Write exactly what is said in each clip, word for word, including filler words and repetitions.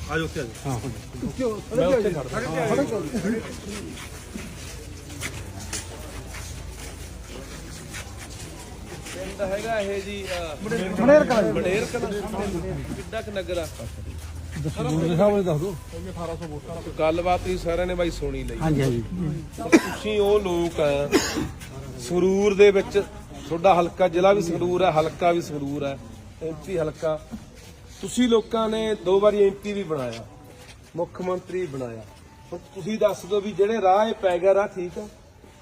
आज उत्ते हाँ ਪਿੰਡ ਹੈਗਾ ਇਹ ਜੀ बड़ेर का ਬੜੇਰ ਕਿੱਡਾ ਕ ਨਗਰ ਆ ਗੱਲਬਾਤ ਹੀ ਸਾਰਿਆਂ ਨੇ ਬਾਈ ਸੁਣੀ ਲਈ। हाँ जी हाँ जी ਤੁਸੀਂ ਉਹ ਲੋਕ ਆ ਸੰਗਰੂਰ ਦੇ ਵਿੱਚ, ਤੁਹਾਡਾ ਹਲਕਾ ਜ਼ਿਲ੍ਹਾ ਵੀ ਸੰਗਰੂਰ ਹੈ, ਹਲਕਾ ਵੀ ਸੰਗਰੂਰ ਹੈ, ਐਮਪੀ ਹਲਕਾ। ਤੁਸੀਂ ਲੋਕਾਂ ਨੇ ਦੋ ਵਾਰੀ ਐਮਪੀ ਵੀ ਬਣਾਇਆ, ਮੁੱਖ ਮੰਤਰੀ ਬਣਾਇਆ। ਹੁਣ ਤੁਸੀਂ ਦੱਸ ਦਿਓ ਵੀ ਜਿਹੜੇ ਰਾਹ ਇਹ ਪੈ ਗਿਆ ਰਾਹ ਠੀਕ ਆ?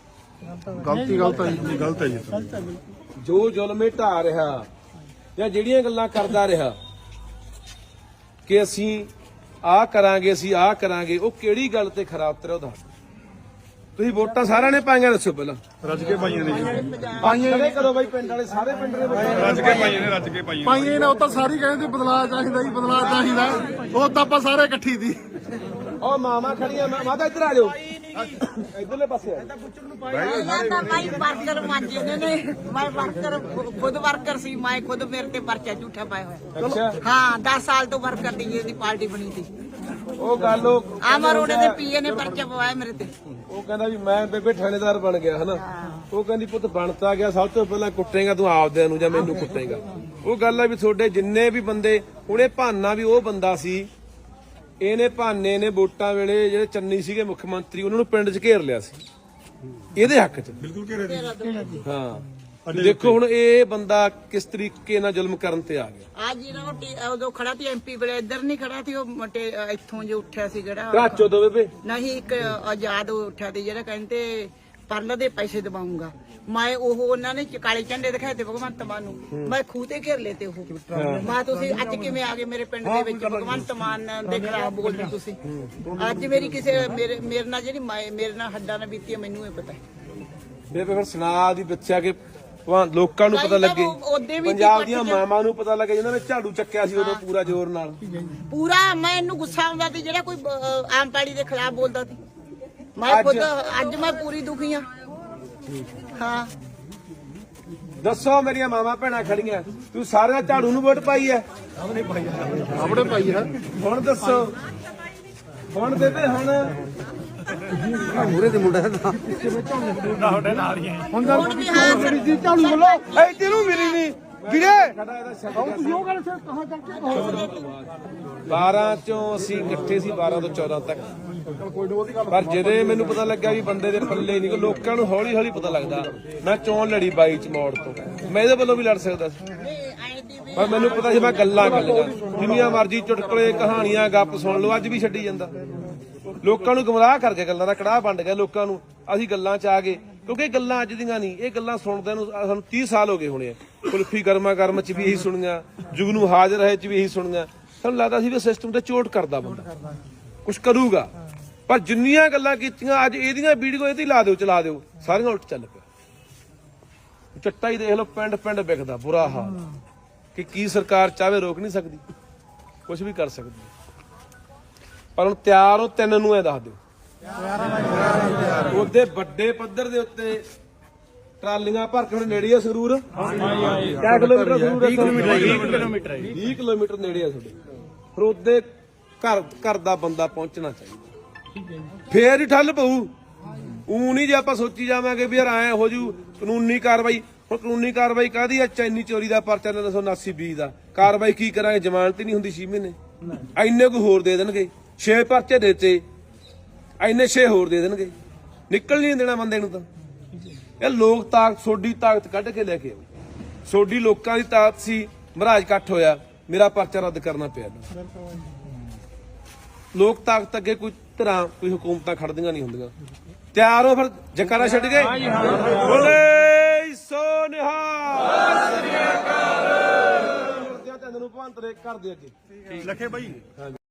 गलती गलत है जी, गलत है जी। ਜੋ ਜ਼ੁਲਮੇ ਢਾ ਰਿਹਾ ਜਾਂ ਜਿਹੜੀਆਂ ਗੱਲਾਂ ਕਰਦਾ ਰਿਹਾ ਕਿ ਅਸੀਂ ਆਹ ਕਰਾਂਗੇ ਅਸੀਂ ਆਹ ਕਰਾਂਗੇ, ਉਹ ਕਿਹੜੀ ਗੱਲ ਤੇ ਖਰਾ ਉਤਰਿਆ ਉਹਦਾ? ਤੁਸੀਂ ਵੋਟਾਂ ਸਾਰਿਆਂ ਨੇ ਪਾਈਆਂ, ਦੱਸੋ ਪਹਿਲਾਂ। रज के पाइए ने जी, ਪਾਈਆਂ ਕਰੋ ਬਾਈ, ਪਿੰਡ ਵਾਲੇ ਸਾਰੇ ਪਿੰਡ ਦੇ ਵਿੱਚ रज के पाइए ने, रज के पाइए ਪਾਈਏ ਨਾ ਉਹ ਤਾਂ ਸਾਰੀ ਕਹਿੰਦੇ ਬਦਲਾਅ ਚਾਹੀਦਾ ਜੀ, ਬਦਲਾਅ ਚਾਹੀਦਾ। ਉਹ ਤਾਂ ਆਪਾਂ ਸਾਰੇ ਇਕੱਠੀ ਦੀ ਉਹ ਮਾਮਾ ਖੜੀਆਂ, ਮਾਤਾ ਇੱਧਰ ਆ ਜਾਓ, ਇੱਧਰਲੇ ਪਾਸੇ ਆ। ਪਹਿਲਾਂ ਤਾਂ ਭਾਈ ਵਰਕਰ ਮਾਂਜੇ ਨੇ, ਮੈਂ ਵਰਕਰ ਖੁਦ ਵਰਕਰ ਸੀ, ਮੈਂ ਖੁਦ ਮੇਰੇ ਤੇ ਪਰਚਾ ਝੂਠਾ ਪਾਇਆ ਹੋਇਆ। ਅੱਛਾ, ਹਾਂ ਦਸ ਸਾਲ ਤੋਂ ਵਰਕਰ ਦੀ ਇਹਦੀ ਪਾਰਟੀ ਬਣੀ ਸੀ। ਉਹ ਗੱਲ ਉਹ ਆਮਰ ਉਹਦੇ ਦੇ ਪੀਏ ਨੇ ਪਰਚਾ ਪਵਾਇਆ ਮੇਰੇ ਤੇ। ਉਹ ਕਹਿੰਦਾ ਵੀ ਮੈਂ ਬੇਬੇ ਥਾਣੇਦਾਰ ਬਣ ਗਿਆ ਹਨਾ। ਉਹ ਕਹਿੰਦੀ ਪੁੱਤ ਬਣਤਾ ਗਿਆ, ਸਭ ਤੋਂ ਪਹਿਲਾਂ ਕੁੱਟੇਗਾ ਤੂੰ ਆਪਦਿਆਂ ਨੂੰ ਜਾਂ ਮੈਨੂੰ ਕੁੱਟੇਗਾ। ਉਹ ਗੱਲ ਆ ਵੀ ਤੁਹਾਡੇ ਜਿੰਨੇ ਵੀ ਬੰਦੇ, ਉਹਨੇ ਭਾਨਾ ਵੀ ਉਹ ਬੰਦਾ ਸੀ, ਇਹਨੇ ਭਾਨੇ ਨੇ ਵੋਟਾਂ ਵੇਲੇ ਜਿਹੜੇ ਚੰਨੀ ਸੀਗੇ ਮੁੱਖ ਮੰਤਰੀ, ਉਹਨਾਂ ਨੂੰ ਪਿੰਡ 'ਚ ਘੇਰ ਲਿਆ ਸੀ ਇਹਦੇ ਹੱਕ 'ਚ। बिल्कुल कह रहे थे। ਹਾਂ ਦੇਖੋ ਹੁਣ ਇਹ ਬੰਦਾ ਕਿਸ ਤਰੀਕੇ ਨਾਲ ਜ਼ੁਲਮ ਕਰਨ ਤੇ ਆ ਗਿਆ। ਅੱਜ ਜਿਹੜਾ ਉਹ ਟੀ- ਉਦੋਂ ਖੜਾ ਸੀ ਐਮਪੀ ਵੇਲੇ, ਇੱਧਰ ਨਹੀਂ ਖੜਾ ਸੀ ਉਹ ਮਟੇ ਇੱਥੋਂ ਜੋ ਉੱਠਿਆ ਸੀ ਜਿਹੜਾ, ਘਾਚੋ ਤੋਂ ਬੇਬੇ ਨਹੀਂ ਇੱਕ ਆਜ਼ਾਦ ਉੱਠਿਆ ਸੀ ਜਿਹੜਾ ਕਹਿੰਦੇ ਪਰਲ ਦੇ ਪੈਸੇ ਦਵਾਉਂਗਾ। ਮੈਂ ਉਹ ਉਹਨਾਂ ਨੇ ਕਾਲੇ ਝੰਡੇ ਦਿਖਾਏ ਤੇ ਭਗਵੰਤ ਮਾਨ ਨੂੰ, ਮੈਂ ਖੂਹ ਤੇ ਘੇਰ ਲਏ ਤੇ ਉਹ। ਮੈਂ ਤੁਸੀਂ ਅੱਜ ਕਿਵੇਂ ਆ ਗਏ ਮੇਰੇ ਪਿੰਡ ਦੇ ਵਿੱਚ, ਭਗਵੰਤ ਮਾਨ ਦੇ ਖਿਲਾਫ ਬੋਲਦੇ ਤੁਸੀਂ? ਅੱਜ ਮੇਰੀ ਕਿਸੇ ਮੇਰੇ ਮੇਰੇ ਨਾਲ ਜਿਹੜੀ ਮਾਏ- ਮੇਰੇ ਨਾਲ ਹੱਡਾਂ ਨਾਲ ਬੀਤੀ ਹੈ, ਮੈਨੂੰ ਇਹ ਪਤਾ ਹੈ। ਬੇਬੇ ਫਿਰ ਸੁਣਾ ਦੀ ਬੱਚਾ ਕਿ ਵਾਂ ਲੋਕਾਂ ਨੂੰ ਪਤਾ ਲੱਗੇ, ਉਹਦੇ ਵੀ ਪੰਜਾਬ ਦੀਆਂ ਮਾਵਾਂ ਨੂੰ ਪਤਾ ਲੱਗੇ ਜਿਨ੍ਹਾਂ ਨੇ ਝਾੜੂ ਚੱਕਿਆ ਸੀ ਉਦੋਂ ਪੂਰਾ ਜ਼ੋਰ ਨਾਲ। ਪੂਰਾ ਮੈਂ ਇਹਨੂੰ ਗੁੱਸਾ ਆਉਂਦਾ ਸੀ ਜਿਹੜਾ ਕੋਈ ਅਹ, ਆਮ ਪਾਰਟੀ ਦੇ ਖਿਲਾਫ ਬੋਲਦਾ ਸੀ। ਮੈਂ ਖੁਦ ਅੱਜ ਮੈਂ ਪੂਰੀ ਦੁਖੀ ਹਾਂ। ਹਾਂ ਦੱਸੋ ਮੇਰੀਆਂ ਮਾਵਾਂ ਭੈਣਾਂ ਖੜੀਆਂ, ਤੂੰ ਸਾਰਿਆਂ ਝਾੜੂ ਨੂੰ ਵੋਟ ਪਾਈ ਐ? ਆਪਣੇ ਪਾਈ ਹੈ ਹੁਣ ਦੱਸੋ, ਹੁਣ ਬੇਬੇ ਹੁਣ ਮੂਰੇ ਦੇ ਮੁੰਡਾ ਦਾ ਹੁਣ ਵੀ ਹਾਂ ਸਰ ਝਾੜੂ ਬੋਲੋ ਐ ਤੈਨੂੰ ਮਿਲੀ ਨਹੀਂ ਵੀਰੇ। ਉਹ ਗੱਲ ਸੇ ਕਹਾਂ ਕਰਕੇ ਬਾਰਾਂ ਚੋਂ ਅਸੀਂ ਇਕੱਠੇ ਸੀ, ਬਾਰਾਂ ਤੋਂ ਚੌਦਾਂ ਤੱਕ। ਪਰ ਜਦੋਂ ਮੈਨੂੰ ਪਤਾ ਲੱਗਾ ਵੀ ਬੰਦੇ ਦੇ ਪੱਲੇ ਨਹੀਂ, ਲੋਕਾਂ ਨੂੰ ਹੌਲੀ ਹੌਲੀ ਪਤਾ ਲੱਗਦਾ। ਮੈਂ ਚੋਣ ਲੜੀ ਬਾਈ ਚ ਮੋੜ ਤੋਂ, ਮੈਂ ਇਹਦੇ ਵੱਲੋਂ ਵੀ ਲੜ ਸਕਦਾ ਸੀ, ਪਰ ਮੈਨੂੰ ਪਤਾ ਸੀ ਮੈਂ ਗੱਲਾਂ ਕਰਨੀਆਂ। ਜਿੰਨੀਆਂ ਮਰਜ਼ੀ ਚੁਟਕਲੇ ਕਹਾਣੀਆਂ ਗੱਪ ਸੁਣ ਲਓ, ਅੱਜ ਵੀ ਛੱਡੀ ਜਾਂਦਾ। ਲੋਕਾਂ ਨੂੰ ਗੁੰਮਰਾਹ ਕਰਕੇ ਗੱਲਾਂ ਦਾ ਕੜਾਹ ਵੰਡ ਗਿਆ ਲੋਕਾਂ ਨੂੰ। ਅਸੀਂ ਗੱਲਾਂ ਚ ਆ ਗਏ, ਕਿਉਂਕਿ ਇਹ ਗੱਲਾਂ ਅੱਜ ਦੀਆਂ ਨਹੀਂ, ਇਹ ਗੱਲਾਂ ਸੁਣਦਿਆਂ ਨੂੰ ਸਾਨੂੰ ਤੀਹ ਸਾਲ ਹੋ ਗਏ ਹੋਣੇ ਆ। ਕੁਲਫੀ ਗਰਮਾ ਗਰਮ ਚ ਵੀ ਇਹੀ ਸੁਣੀਆਂ, ਜੁਗਨੂ ਹਾਜ਼ਰ ਹੈ ਚ ਵੀ ਇਹੀ ਸੁਣੀਆਂ। ਸਾਨੂੰ ਲੱਗਦਾ ਸੀ ਵੀ ਸਿਸਟਮ ਤੇ ਚੋਟ ਕਰਦਾ ਬੰਦਾ, ਕੁਛ ਕਰੂਗਾ। ਪਰ ਜਿੰਨੀਆਂ ਗੱਲਾਂ ਕੀਤੀਆਂ ਅੱਜ ਇਹਦੀਆਂ ਵੀਡੀਓ ਇਹਦੀ ਲਾ ਦਿਓ, ਚਲਾ ਦਿਓ, ਸਾਰੀਆਂ ਉਲਟ ਚੱਲ ਪਿਆ। ਚੱਟਾ ਹੀ ਦੇਖ ਲਓ, ਪਿੰਡ ਪਿੰਡ ਵਿਕਦਾ, ਬੁਰਾ ਹਾਲ। ਕਿ ਕੀ ਸਰਕਾਰ ਚਾਹੇ ਰੋਕ ਨਹੀਂ ਸਕਦੀ, ਕੁਛ ਵੀ ਕਰ ਸਕਦੀ, ਪਰ ਹੁਣ ਤਿਆਰ ਹੋ ਤਿੰਨ ਨੂੰ ਇਹ ਦੱਸ ਦਿਓ। ਉਹਦੇ ਵੱਡੇ ਪੱਧਰ ਦੇ ਉੱਤੇ ਟਰਾਲੀਆਂ ਭਰ ਕੇ ਹੁਣ ਨੇੜੇ ਆ ਸੰਗਰੂਰ। ਕਿੰਨੇ ਕਿਲੋਮੀਟਰ ਸੰਗਰੂਰ? ਵੀਹ ਕਿਲੋਮੀਟਰ ਵੀਹ ਕਿਲੋਮੀਟਰ ਨੇੜੇ ਆ ਤੁਹਾਡੇ। ਫਿਰ ਉਹਦੇ ਘਰ ਘਰ ਦਾ ਬੰਦਾ ਪਹੁੰਚਣਾ ਚਾਹੀਦਾ, ਫੇਰ ਹੀ ਠੱਲ ਪਊ। ਊ ਨਹੀਂ ਜੇ ਆਪਾਂ ਸੋਚੀ ਜਾਵਾਂਗੇ ਵੀ ਯਾਰ ਐ ਹੋ ਜੂ ਕਾਨੂੰਨੀ ਕਾਰਵਾਈ। ਹੁਣ ਕਾਨੂੰਨੀ ਕਾਰਵਾਈ ਕਾਹਦੀ ਆ? ਚੈਨੀ ਚੋਰੀ ਦਾ ਪਰਚਾ ਤਿੰਨ ਸੌ ਉਨਾਸੀ ਬੀ ਦਾ। ਕਾਰਵਾਈ ਕੀ ਕਰਾਂਗੇ? ਜ਼ਮਾਨਤ ਹੀ ਨਹੀਂ ਹੁੰਦੀ ਛੇ ਮਹੀਨੇ। ਇੰਨੇ ਕੁ ਹੋਰ ਦੇ ਦੇਣਗੇ, ਛੇ ਪਰਚੇ ਦੇਤੇ, ਇੰਨੇ ਛੇ ਹੋਰ ਦੇ ਦੇਣਗੇ, ਨਿਕਲ ਨਹੀਂ ਦੇਣਾ ਬੰਦੇ ਨੂੰ। ਤਾਂ ਇਹ ਲੋਕ ਤਾਕਤ, ਸੋਡੀ ਤਾਕਤ ਕੱਢ ਕੇ ਲੈ ਕੇ ਆਓ। ਸੋਡੀ ਲੋਕਾਂ ਦੀ ਤਾਕਤ ਸੀ, ਮਹਾਰਾਜ ਇਕੱਠ ਹੋਇਆ, ਮੇਰਾ ਪਰਚਾ ਰੱਦ ਕਰਨਾ ਪਿਆ। ਲੋਕ ਤਾਕਤ ਅੱਗੇ ਕੋਈ ਤਰ੍ਹਾਂ ਕੋਈ ਹੁਕੂਮਤਾਂ ਖੜਦੀਆਂ ਨਹੀਂ ਹੁੰਦੀਆਂ। ਤਿਆਰ ਹੋ ਫਿਰ? ਜਕਾਰਾ ਛੱਡ ਗਏ, ਬੋਲੇ ਸੋ ਨਿਹਾਲ। ਤੈਨੂੰ ਭਾਂਤਰੇ ਕਰਦੇ ਅੱਗੇ लखे भाई।